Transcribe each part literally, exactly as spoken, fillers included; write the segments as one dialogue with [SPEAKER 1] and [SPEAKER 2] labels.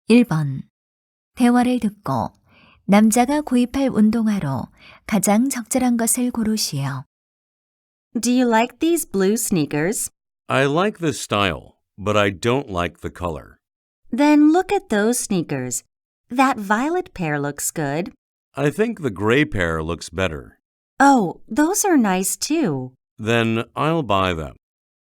[SPEAKER 1] 일 번. 대화를 듣고 남자가 구입할 운동화로 가장 적절한 것을 고르시오.
[SPEAKER 2] Do you like these blue sneakers?
[SPEAKER 3] I like the style, but I don't like the color.
[SPEAKER 2] Then look at those sneakers. That violet pair looks good.
[SPEAKER 3] I think the gray pair looks better.
[SPEAKER 2] Oh, those are nice too.
[SPEAKER 3] Then I'll buy them.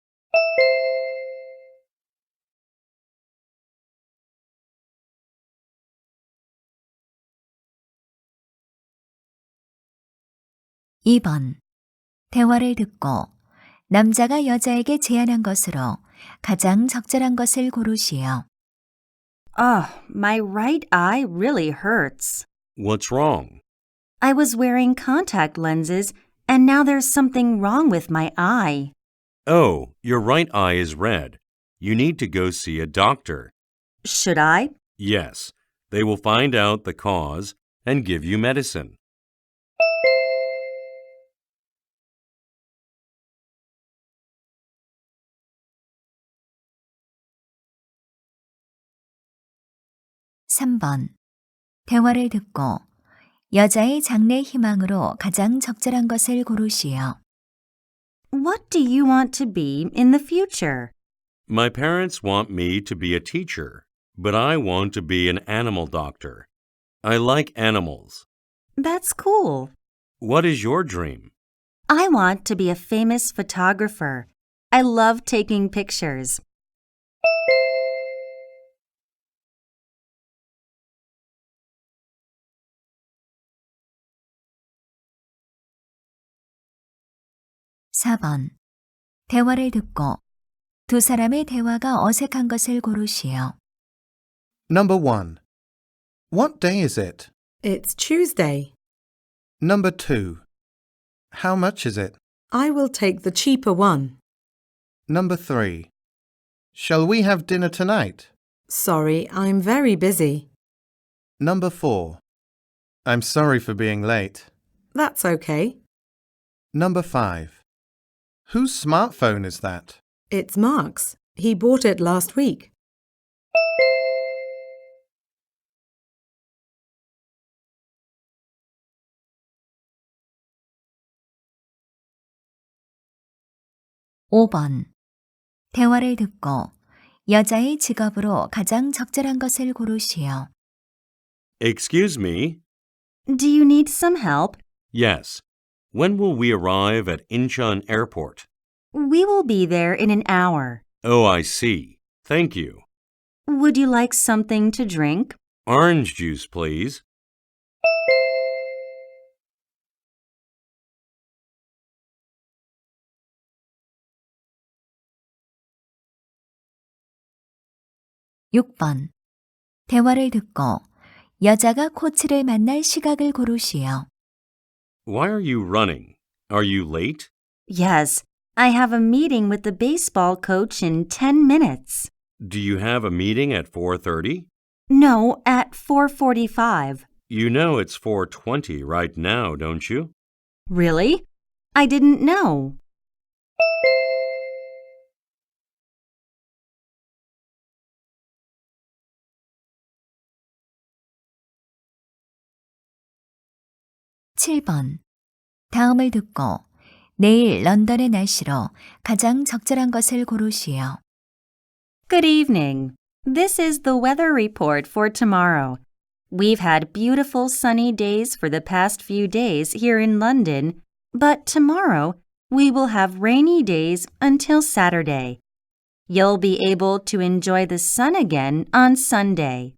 [SPEAKER 1] 이 번. 대화를 듣고 남자가 여자에게 제안한 것으로 가장 적절한 것을 고르시오.
[SPEAKER 2] Ugh, my right eye really hurts.
[SPEAKER 3] What's wrong?
[SPEAKER 2] I was wearing contact lenses, and now there's something wrong with my eye.
[SPEAKER 3] Oh, your right eye is red. You need to go see a doctor.
[SPEAKER 2] Should I?
[SPEAKER 3] Yes, they will find out the cause and give you medicine.
[SPEAKER 1] 삼 번. 대화를 듣고 여자의 장래 희망으로 가장 적절한 것을 고르시오.
[SPEAKER 2] What do you want to be in the future?
[SPEAKER 3] My parents want me to be a teacher, but I want to be an animal doctor. I like animals.
[SPEAKER 2] That's cool.
[SPEAKER 3] What is your dream?
[SPEAKER 2] I want to be a famous photographer. I love taking pictures.
[SPEAKER 1] 사 번. 대화를 듣고 두 사람의 대화가 어색한 것을 고르시오.
[SPEAKER 4] Number one. What day is it?
[SPEAKER 5] It's Tuesday.
[SPEAKER 4] Number two. How much is it?
[SPEAKER 5] I will take the cheaper one.
[SPEAKER 4] Number three. Shall we have dinner tonight?
[SPEAKER 5] Sorry, I'm very busy.
[SPEAKER 4] Number four. I'm sorry for being late.
[SPEAKER 5] That's okay.
[SPEAKER 4] Number five. Whose smartphone is that?
[SPEAKER 5] It's Mark's. He bought it last week.
[SPEAKER 1] 오 번. 대화를 듣고 여자의 직업으로 가장 적절한 것을 고르시오.
[SPEAKER 3] Excuse me?
[SPEAKER 2] Do you need some help?
[SPEAKER 3] Yes. When will we arrive at Incheon Airport?
[SPEAKER 2] We will be there in an hour.
[SPEAKER 3] Oh, I see. Thank you.
[SPEAKER 2] Would you like something to drink?
[SPEAKER 3] Orange juice, please.
[SPEAKER 1] 육 번. 대화를 듣고 여자가 코치를 만날 시각을 고르시오.
[SPEAKER 3] Why are you running? Are you late?
[SPEAKER 2] Yes, I have a meeting with the baseball coach in ten minutes.
[SPEAKER 3] Do you have a meeting at four thirty?
[SPEAKER 2] No, at four forty-five.
[SPEAKER 3] You know it's four twenty right now, don't you?
[SPEAKER 2] Really? I didn't know.
[SPEAKER 1] 칠 번. 다음을 듣고 내일 런던의 날씨로 가장 적절한 것을 고르시오.
[SPEAKER 2] Good evening. This is the weather report for tomorrow. We've had beautiful sunny days for the past few days here in London, but tomorrow we will have rainy days until Saturday. You'll be able to enjoy the sun again on Sunday.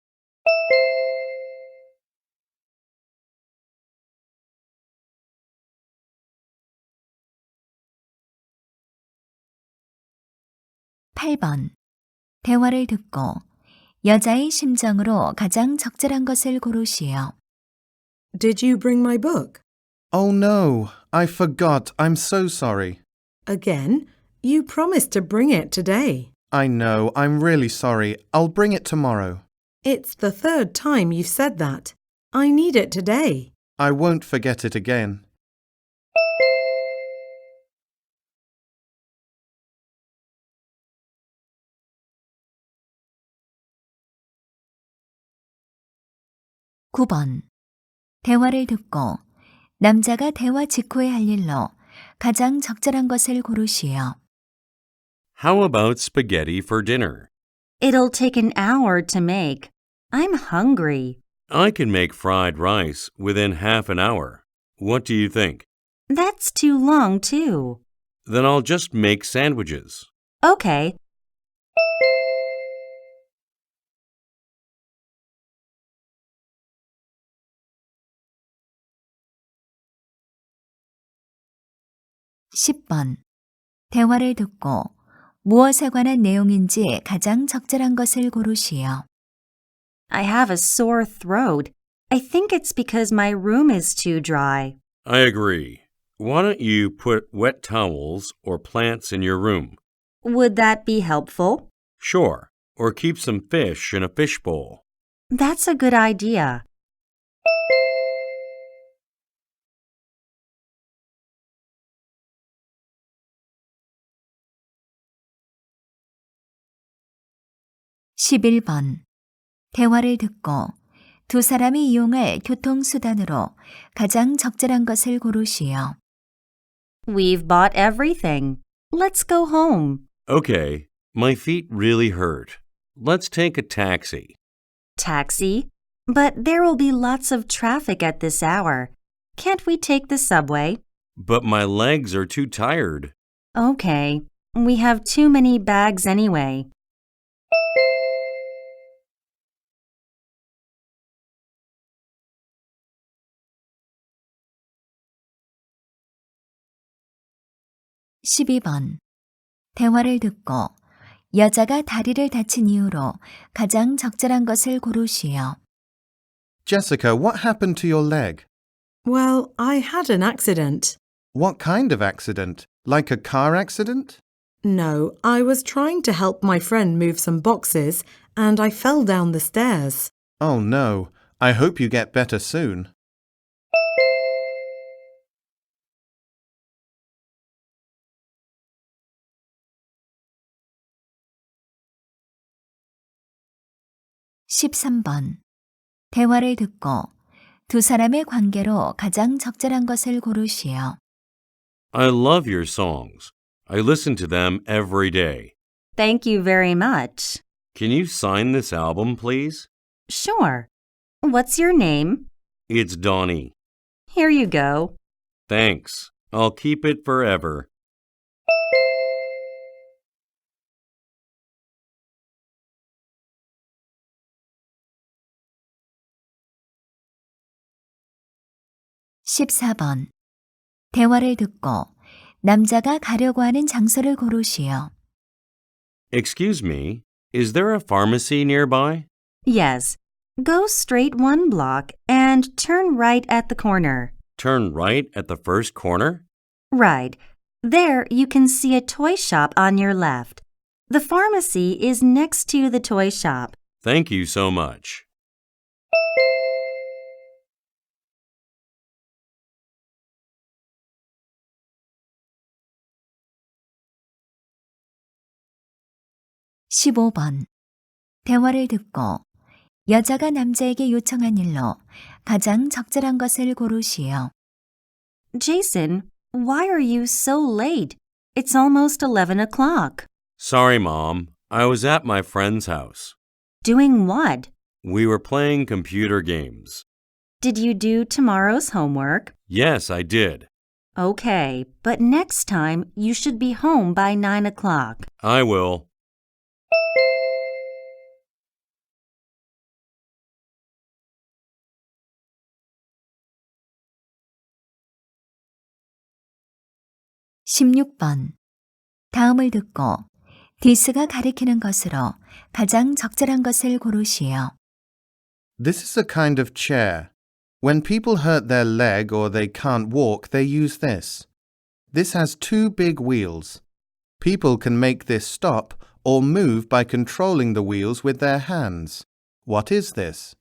[SPEAKER 1] 팔 번. 대화를 듣고 여자의 심정으로 가장 적절한 것을 고르시오.
[SPEAKER 5] Did you bring my book?
[SPEAKER 4] Oh no, I forgot. I'm so sorry.
[SPEAKER 5] Again? You promised to bring it today.
[SPEAKER 4] I know, I'm really sorry. I'll bring it tomorrow.
[SPEAKER 5] It's the third time you've said that. I need it today.
[SPEAKER 4] I won't forget it again.
[SPEAKER 1] 구 번. 대화를 듣고 남자가 대화 직후에 할 일로 가장 적절한 것을 고르시오.
[SPEAKER 3] How about spaghetti for dinner?
[SPEAKER 2] It'll take an hour to make. I'm hungry.
[SPEAKER 3] I can make fried rice within half an hour. What do you think?
[SPEAKER 2] That's too long, too.
[SPEAKER 3] Then I'll just make sandwiches.
[SPEAKER 2] Okay.
[SPEAKER 1] 십 번. 대화를 듣고 무엇에 관한 내용인지 가장 적절한 것을 고르시오.
[SPEAKER 2] I have a sore throat. I think it's because my room is too dry.
[SPEAKER 3] I agree. Why don't you put wet towels or plants in your room?
[SPEAKER 2] Would that be helpful?
[SPEAKER 3] Sure. Or keep some fish in a fishbowl.
[SPEAKER 2] That's a good idea.
[SPEAKER 1] 십일 번. 대화를 듣고 두 사람이 이용할 교통수단으로 가장 적절한 것을 고르시오.
[SPEAKER 2] We've bought everything. Let's go home.
[SPEAKER 3] Okay. My feet really hurt. Let's take a taxi.
[SPEAKER 2] Taxi? But there will be lots of traffic at this hour. Can't we take the subway?
[SPEAKER 3] But my legs are too tired.
[SPEAKER 2] Okay. We have too many bags anyway.
[SPEAKER 1] 십이 번. 대화를 듣고 여자가 다리를 다친 이유로 가장 적절한 것을 고르시오.
[SPEAKER 4] Jessica, what happened to your leg?
[SPEAKER 5] Well, I had an accident.
[SPEAKER 4] What kind of accident? Like a car accident?
[SPEAKER 5] No, I was trying to help my friend move some boxes and I fell down the stairs.
[SPEAKER 4] Oh no. I hope you get better soon.
[SPEAKER 1] 십삼 번. 대화를 듣고 두 사람의 관계로 가장 적절한 것을 고르시오.
[SPEAKER 3] I love your songs. I listen to them every day.
[SPEAKER 2] Thank you very much.
[SPEAKER 3] Can you sign this album, please?
[SPEAKER 2] Sure. What's your name?
[SPEAKER 3] It's Donnie.
[SPEAKER 2] Here you go.
[SPEAKER 3] Thanks. I'll keep it forever.
[SPEAKER 1] 십사 번. 대화를 듣고 남자가 가려고 하는 장소를 고르시오.
[SPEAKER 3] Excuse me, is there a pharmacy nearby?
[SPEAKER 2] Yes. Go straight one block and turn right at the corner.
[SPEAKER 3] Turn right at the first corner?
[SPEAKER 2] Right. There you can see a toy shop on your left. The pharmacy is next to the toy shop.
[SPEAKER 3] Thank you so much.
[SPEAKER 1] 십오 번. 대화를 듣고 여자가 남자에게 요청한 일로 가장 적절한 것을 고르시오.
[SPEAKER 2] Jason, why are you so late? It's almost eleven o'clock.
[SPEAKER 3] Sorry, Mom. I was at my friend's house.
[SPEAKER 2] Doing what?
[SPEAKER 3] We were playing computer games.
[SPEAKER 2] Did you do tomorrow's homework?
[SPEAKER 3] Yes, I did.
[SPEAKER 2] Okay, but next time you should be home by nine o'clock.
[SPEAKER 3] I will.
[SPEAKER 1] 십육 번. 다음을 듣고 디스가 가리키는 것으로 가장 적절한 것을 고르시오.
[SPEAKER 4] This is a kind of chair. When people hurt their leg or they can't walk, they use this. This has two big wheels. People can make this stop or move by controlling the wheels with their hands. What is this?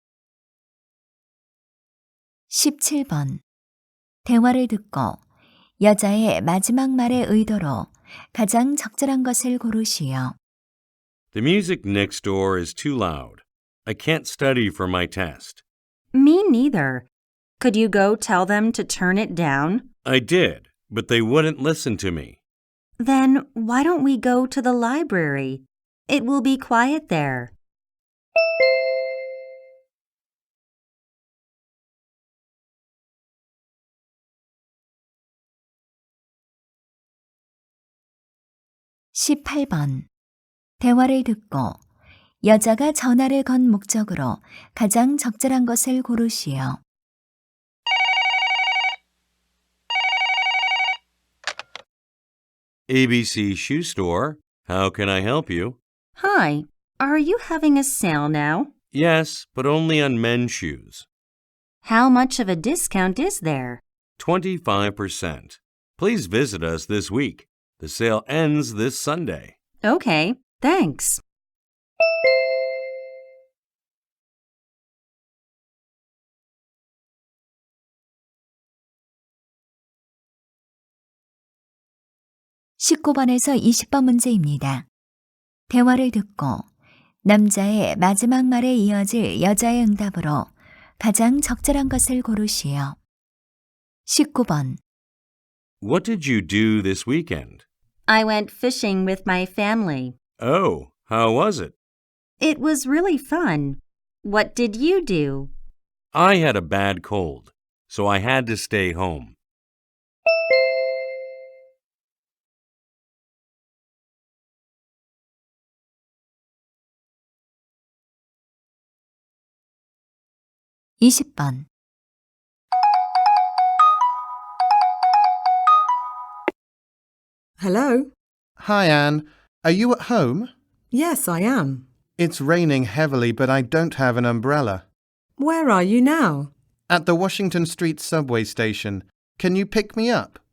[SPEAKER 1] 십칠 번. 대화를 듣고 여자의 마지막 말의 의도로 가장 적절한 것을 고르시오.
[SPEAKER 3] The music next door is too loud. I can't study for my test.
[SPEAKER 2] Me neither. Could you go tell them to turn it down?
[SPEAKER 3] I did, but they wouldn't listen to me.
[SPEAKER 2] Then why don't we go to the library? It will be quiet there.
[SPEAKER 1] 십팔 번. 대화를 듣고 여자가 전화를 건 목적으로 가장 적절한 것을 고르시오.
[SPEAKER 3] A B C Shoe Store. How can I help you?
[SPEAKER 2] Hi, are you having a sale now?
[SPEAKER 3] Yes, but only on men's shoes.
[SPEAKER 2] How much of a discount is there?
[SPEAKER 3] twenty-five percent. Please visit us this week. The sale ends this Sunday.
[SPEAKER 2] Okay, thanks.
[SPEAKER 1] 십구 번에서 이십 번 문제입니다. 대화를 듣고 남자의 마지막 말에 이어질 여자의 응답으로 가장 적절한 것을 고르시오. 십구 번.
[SPEAKER 3] What did you do this weekend?
[SPEAKER 2] I went fishing with my family.
[SPEAKER 3] Oh, how was it?
[SPEAKER 2] It was really fun. What did you do?
[SPEAKER 3] I had a bad cold, so I had to stay home.
[SPEAKER 1] 이십 번.
[SPEAKER 5] Hello?
[SPEAKER 4] Hi, Anne. Are you at home?
[SPEAKER 5] Yes, I am.
[SPEAKER 4] It's raining heavily, but I don't have an umbrella.
[SPEAKER 5] Where are you now?
[SPEAKER 4] At the Washington Street subway station. Can you pick me up?